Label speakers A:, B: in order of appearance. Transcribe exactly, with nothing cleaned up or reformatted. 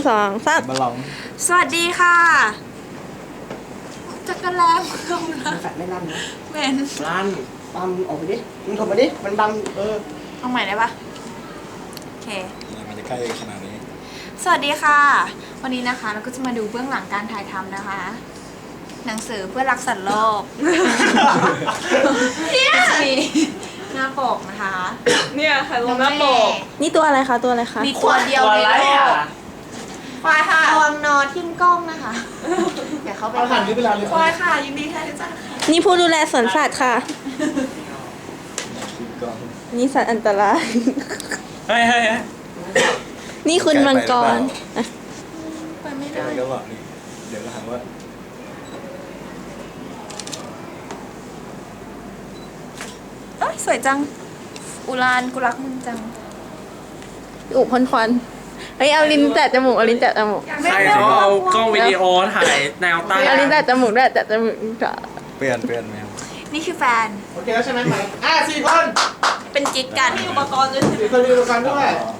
A: สองสาม
B: มาลอง
C: สวัสดีค่ะจักรแลมลงนะ
D: แฟดไม่ลั่นนะ
C: เมน
D: ลั่นบัมออกไปดิมึงถมมาดิมันบัมเออ
C: เอาใหม่ได้ปะโอเค
B: มันจะใกล้ขนาดนี้
C: สวัสดีค่ะ วันนี้นะคะเราก็จะมาดูเบื้องหลังการถ่ายทำนะคะ หนังสือเพื่อรักสัตว์โลกเนี่ยมีหน้าปกนะคะ
E: เนี่ยค่ะลงหน้าปก
A: นี่ตัวอะไรคะตัวอะไรคะ
C: มีตัวเดียวในโลกควายค่ะระวังนอทิ่มกล้องนะคะเดี๋ยวเขาไป
D: เอาหันนี้เวลาเลย
E: ควายค่ะยินดีแทนที่จะ
A: นี่ผู้ดูแลสวนสัตว์ค่ะ
B: คิดก่อน
A: นี่สัตว์อันตราย
B: เฮ้ยเฮ้ย
A: นี่คุณมังกรอ่ะ
C: ไปไม่
B: แก
C: ได้
B: ก็บอกนี่เดี๋ยวก็หาว่า
C: เอ้ยสวยจังอุรานกูรักมึงจัง
A: อุพ่นควันเฮ้ยเอาลิ้นแตะจมูกเอาลิ้นแตะจมูก
E: ใครเขาเอากล้องวิดีโอถ่ายแนวตั้ง
A: เอาลิ้นแตะจมูกด้วยแตะจมูกจะ
B: เปลี่ยนเปลี่ยนแมว
C: นี่คือแฟน
D: โอเคแล้วใช่ไหมไหมอ่ะสี่คน
C: เป็นกิ๊กกัน
E: มีอุปกรณ์ด้วยใช่ไหม
D: สี่คนมีอุปกรณ์ด้วย
B: อ๋อ